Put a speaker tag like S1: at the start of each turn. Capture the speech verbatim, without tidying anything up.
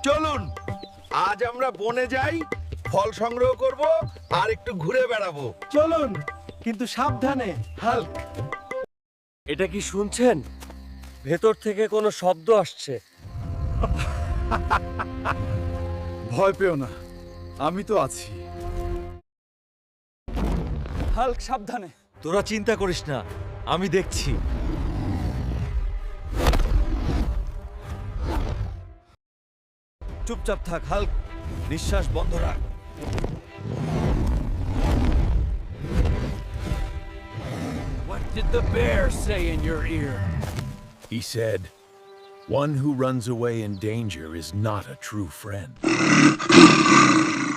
S1: চলুন আজ আমরা বনে যাই, ফল সংগ্রহ করব আর একটু ঘুরে বেড়াবো।
S2: চলুন, কিন্তু সাবধানে। হাল্ক,
S3: এটা কি শুনছেন? ভেতর থেকে কোনো শব্দ আসছে।
S4: ভয় পেও না, আমি তো আছি।
S2: হাল্ক সাবধানে।
S3: তোরা চিন্তা করিস না, আমি দেখছি। চুপচাপ থাক হাল্ক, নিঃশ্বাস বন্ধ রাখ।
S5: What did the bear say in your ear?
S6: He said, "One who runs away in danger is not a true friend."